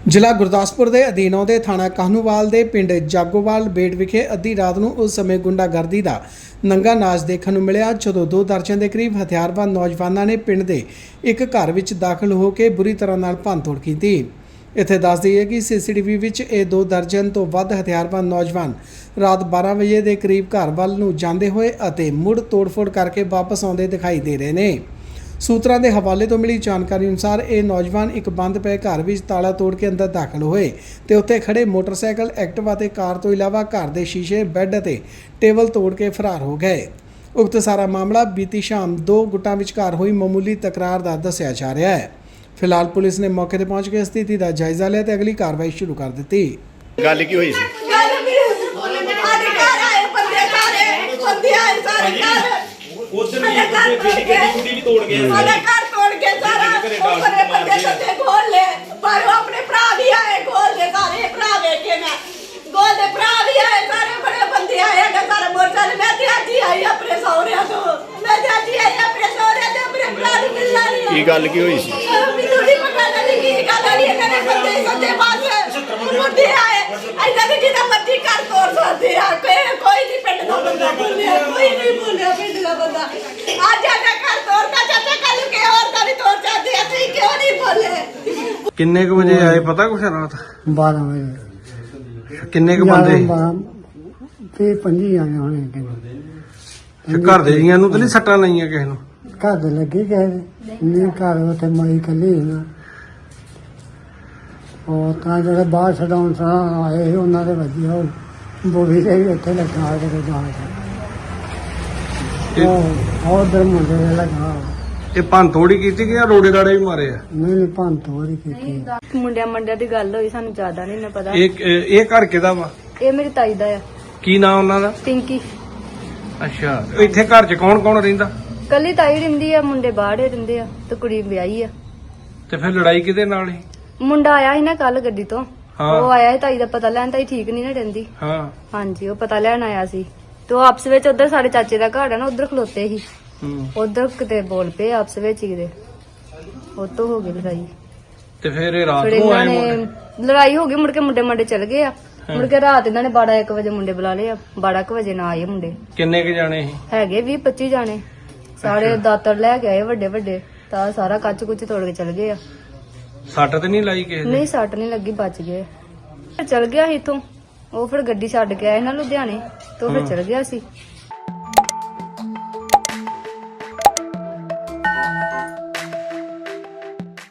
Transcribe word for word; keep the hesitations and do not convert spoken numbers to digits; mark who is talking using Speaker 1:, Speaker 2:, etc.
Speaker 1: ਜ਼ਿਲ੍ਹਾ ਗੁਰਦਾਸਪੁਰ ਦੇ ਅਧੀਨ ਆਉਂਦੇ ਥਾਣਾ ਕਾਹਨੂਵਾਲ ਦੇ ਪਿੰਡ ਜਾਗੋਵਾਲ ਬੇਟ ਵਿਖੇ ਅੱਧੀ ਰਾਤ ਨੂੰ ਉਸ ਸਮੇਂ ਗੁੰਡਾਗਰਦੀ ਦਾ ਨੰਗਾ ਨਾਚ ਦੇਖਣ ਨੂੰ ਮਿਲਿਆ ਜਦੋਂ ਦੋ ਦਰਜਨ ਦੇ ਕਰੀਬ ਹਥਿਆਰਬੰਦ ਨੌਜਵਾਨਾਂ ਨੇ ਪਿੰਡ ਦੇ ਇੱਕ ਘਰ ਵਿੱਚ ਦਾਖਲ ਹੋ ਕੇ ਬੁਰੀ ਤਰ੍ਹਾਂ ਨਾਲ ਭੰਨਤੋੜ ਕੀਤੀ। ਇੱਥੇ ਦੱਸ ਦਈਏ ਕਿ ਸੀਸੀਟੀਵੀ ਵਿੱਚ ਇਹ ਦੋ ਦਰਜਨ ਤੋਂ ਵੱਧ ਹਥਿਆਰਬੰਦ ਨੌਜਵਾਨ ਰਾਤ ਬਾਰਾਂ ਵਜੇ ਦੇ ਕਰੀਬ ਘਰ ਵੱਲ ਨੂੰ ਜਾਂਦੇ ਹੋਏ ਅਤੇ ਮੁੜ ਤੋੜਫੋੜ ਕਰਕੇ ਵਾਪਸ ਆਉਂਦੇ ਦਿਖਾਈ ਦੇ ਰਹੇ ਨੇ। ਸੂਤਰਾਂ ਦੇ ਹਵਾਲੇ ਤੋਂ ਮਿਲੀ ਜਾਣਕਾਰੀ ਅਨੁਸਾਰ ਇਹ ਨੌਜਵਾਨ ਇੱਕ ਬੰਦ ਪਏ ਘਰ ਵਿੱਚ ਤਾਲਾ ਤੋੜ ਕੇ ਅੰਦਰ ਦਾਖਲ ਹੋਏ ਤੇ ਉੱਥੇ ਖੜੇ ਮੋਟਰਸਾਈਕਲ, ਐਕਟਿਵਾ ਤੇ ਕਾਰ ਤੋਂ ਇਲਾਵਾ ਘਰ ਦੇ ਸ਼ੀਸ਼ੇ, ਬੈੱਡ ਅਤੇ ਟੇਬਲ ਤੋੜ ਕੇ ਫਰਾਰ ਹੋ ਗਏ। ਉਕਤ ਸਾਰਾ ਮਾਮਲਾ ਬੀਤੀ ਸ਼ਾਮ ਦੋ ਗੁੱਟਾਂ ਵਿਚਕਾਰ ਹੋਈ ਮਾਮੂਲੀ ਤਕਰਾਰ ਦਾ ਦੱਸਿਆ ਜਾ ਰਿਹਾ ਹੈ। ਫਿਲਹਾਲ ਪੁਲਿਸ ਨੇ ਮੌਕੇ ਤੇ ਪਹੁੰਚ ਕੇ ਸਥਿਤੀ ਦਾ ਜਾਇਜ਼ਾ ਲਿਆ ਤੇ ਅਗਲੀ ਕਾਰਵਾਈ ਸ਼ੁਰੂ ਕਰ ਦਿੱਤੀ।
Speaker 2: ਗੱਲ ਕੀ ਹੋਈ ਸੀ?
Speaker 3: ਉਧਰ ਵੀ ਗੱਡੀ ਗੱਡੀ ਵੀ ਤੋੜ ਗਏ
Speaker 4: ਸਾਡਾ ਘਰ ਤੋੜ ਕੇ ਸਾਰਾ ਉੱਪਰੇ ਪੱਤੇ ਸੱਤੇ ਖੋਲ ਲੈ ਪਰ ਆਪਣੇ ਭਰਾ ਵੀ ਆਏ ਖੋਲ ਦੇ ਸਾਰੇ ਭਰਾ ਵੇਖੇ ਮੈਂ ਗੋਲ ਦੇ ਭਰਾ ਵੀ ਆਏ ਸਾਰੇ ਬੜੇ ਬੰਦੇ ਆਏ ਗਾ ਸਾਰਾ ਮੋਰਚਾ ਮੈਂ ਤੇ ਅੱਜ ਹੀ ਆਈ ਆਪਣੇ ਸਹੁਰਿਆਂ ਤੋਂ ਮੈਂ ਤੇ ਅੱਜ ਹੀ ਆਈ ਆਪਣੇ ਸਹੁਰਿਆਂ ਤੇ ਆਪਣੇ ਭਰਾ ਨੂੰ ਮਿਲਣਾ ਨਹੀਂ।
Speaker 2: ਕੀ ਗੱਲ ਕੀ ਹੋਈ ਸੀ?
Speaker 4: ਮੈਨੂੰ ਨਹੀਂ ਪਤਾ ਲੱਗੀ ਕੀ ਗੱਲ ਹੋਈ ਇਹਨਾਂ ਨੇ ਬੰਦੇ ਸੱਤੇ ਬਾਅਦ ਮੁੰਡੇ ਆਏ ਐਦਾਂ ਕਿ ਜਿਹਦਾ ਮਰਜ਼ੀ ਘਰ ਤੋੜ ਸਕਦੇ ਆ ਕੋਈ ਕੋਈ ਨਹੀਂ ਪਿੰਡ ਦਾ ਬੰਦਾ ਬੋਲਿਆ ਕੋਈ ਨਹੀਂ ਬੋਲਿਆ ਪਿੰਡ ਦਾ ਬੰਦਾ ਅੱਜ ਸਾਡਾ ਘਰ ਤੋੜਦਾ ਚਾਚਾ ਕੱਲ ਨੂੰ ਕਿ ਹੋਰ ਦਾ ਵੀ ਤੋੜ ਜਾਂਦੇ ਆ ਤੁਸੀਂ ਕਿਉਂ ਨਹੀਂ ਬੋਲੇ?
Speaker 5: ਕਿੰਨੇ ਕੁ ਵਜੇ ਆਏ ਪਤਾ ਕੁਛ ਰਾਤ?
Speaker 6: ਬਾਰਾਂ ਵਜੇ
Speaker 5: ਕਿੰਨੇ ਕੁ ਬੰਦੇ?
Speaker 6: ਤੇ ਪੰਜੀ ਆਏ ਹੋਣੇ ਕਿੰਨੇ
Speaker 5: ਤੇ ਘਰ ਦੇ ਜੀਆਂ ਨੂੰ ਤਾਂ ਨਹੀਂ ਸੱਟਾਂ ਲਾਈਆਂ ਕਿਸੇ ਨੂੰ?
Speaker 6: ਘਰ ਦੇ ਲੱਗੇ ਗਏ ਨੇ ਘਰ ਉੱਥੇ ਮਈ ਕੱਲੀ ਨਾ ਉਹ ਤਾਂ ਜਿਹੜੇ ਬਾਹਰ ਛਡਾਉਣ ਸਾਂ ਆਏ ਸੀ ਉਹਨਾਂ ਦੇ ਵਧੀਆ ਉਹ ਬੋਲੀ ਦੇ ਵੀ ਉੱਥੇ ਲੱਗਾ ਕੇ ਜਾਣ ਉਹ ਹੋਰ ਦਰ ਮੁੰਡੇ ਦੇ ਲੱਗਾ
Speaker 5: ਇਹ ਭੰਨ ਤੋੜੀ ਕੀਤੀ ਕਿ ਜਾਂ ਰੋੜੇ ਰਾੜੇ ਵੀ ਮਾਰੇ ਆ?
Speaker 6: ਨਹੀਂ ਨਹੀਂ ਭੰਨ ਤੋੜੀ ਕੀਤੀ।
Speaker 7: ਮੁੰਡਿਆਂ ਮੰਡਿਆਂ ਦੀ ਗੱਲ ਹੋਈ, ਸਾਨੂੰ ਜ਼ਿਆਦਾ ਨਹੀਂ ਨਾ ਪਤਾ।
Speaker 5: ਇਹ ਇਹ ਘਰ ਕਿਹਦਾ ਵਾ?
Speaker 7: ਇਹ ਮੇਰੀ ਤਾਈ ਦਾ ਆ।
Speaker 5: ਕੀ ਨਾਂ ਉਹਨਾਂ ਦਾ?
Speaker 7: ਪਿੰਕੀ।
Speaker 5: ਅੱਛਾ, ਇੱਥੇ ਘਰ 'ਚ ਕੌਣ ਕੌਣ ਰਹਿੰਦਾ?
Speaker 7: ਕੱਲੀ ਤਾਈ ਰਹਿੰਦੀ ਆ, ਮੁੰਡੇ ਬਾਹਰੇ ਰਹਿੰਦੇ ਆ ਤੇ ਕੁੜੀ ਵਿਆਹੀ ਆ।
Speaker 5: ਤੇ ਫਿਰ ਲੜਾਈ ਕਿਹਦੇ ਨਾਲ ਸੀ?
Speaker 7: ਮੁੰਡਾ ਆਇਆ ਸੀ ਨਾ ਕੱਲ ਗੱਡੀ ਤੋਂ,
Speaker 5: ਹਾਂ।
Speaker 7: ਉਹ ਆਇਆ ਸੀ ਤਾਈ ਦਾ ਪਤਾ ਲੈਣ। ਤਾਈ ਠੀਕ ਨਹੀਂ ਨਾ ਰਹਿੰਦੀ।
Speaker 5: ਹਾਂ।
Speaker 7: ਹਾਂਜੀ, ਉਹ ਪਤਾ ਲੈਣ ਆਇਆ ਸੀ ਤੇ ਉਹ ਆਪਸ ਵਿੱਚ ਉਧਰ ਸਾਡੇ ਚਾਚੇ ਦਾ ਘਰ ਆ ਨਾ, ਉਧਰ ਖਲੋਤੇ ਸੀ।
Speaker 5: ਹੂੰ।
Speaker 7: ਉਧਰ ਕਿਤੇ ਬੋਲ ਪਏ ਆਪਸ ਵਿੱਚ ਹੀ ਕਿਤੇ, ਉਹ ਤੋਂ ਹੋ ਗਈ ਲੜਾਈ।
Speaker 5: ਤੇ ਫਿਰ ਇਹ ਰਾਤ
Speaker 7: ਫਿਰ
Speaker 5: ਨੂੰ
Speaker 7: ਇਹਨਾਂ
Speaker 5: ਆਏ
Speaker 7: ਨੇ
Speaker 5: ਮੁੰਡੇ?
Speaker 7: ਲੜਾਈ ਹੋ ਗਈ, ਮੁੜ ਕੇ ਮੁੰਡੇ ਮੰਡੇ ਚਲ ਗਏ ਆ। ਮੁੜ ਕੇ ਰਾਤ ਇਹਨਾਂ ਨੇ ਬਾਰਾਂ ਇੱਕ ਵਜੇ ਮੁੰਡੇ ਬੁਲਾ ਲਏ ਆ। ਬਾਰਾਂ ਇੱਕ ਵਜੇ ਨਾ ਆਏ ਮੁੰਡੇ।
Speaker 5: ਕਿੰਨੇ ਕੁ ਜਾਣੇ ਸੀ?
Speaker 7: ਹੈਗੇ ਵੀਹ ਪੱਚੀ ਜਾਣੇ। ਸਾਰੇ ਦਾਤਰ ਲੈ ਕੇ ਆਏ ਵੱਡੇ ਵੱਡੇ, ਤਾਂ ਸਾਰਾ ਕੱਚ ਕੁੱਚ ਤੋੜ ਕੇ ਚਲ ਗਏ ਆ।
Speaker 5: ਸੱਟ ਤੇ ਨਹੀਂ ਲਾਈ ਕਿਸੇ ਦੇ?
Speaker 7: ਨਹੀਂ, ਸੱਟ ਨਹੀਂ ਲੱਗੀ, ਬਚ ਗਏ। ਚਲ ਗਿਆ ਸੀ ਇੱਥੋਂ, ਉਹ ਫਿਰ ਗੱਡੀ ਛੱਡ ਕੇ ਆਏ ਨਾ ਲੁਧਿਆਣੇ, ਤੋਂ ਫਿਰ ਚਲ ਗਿਆ ਸੀ।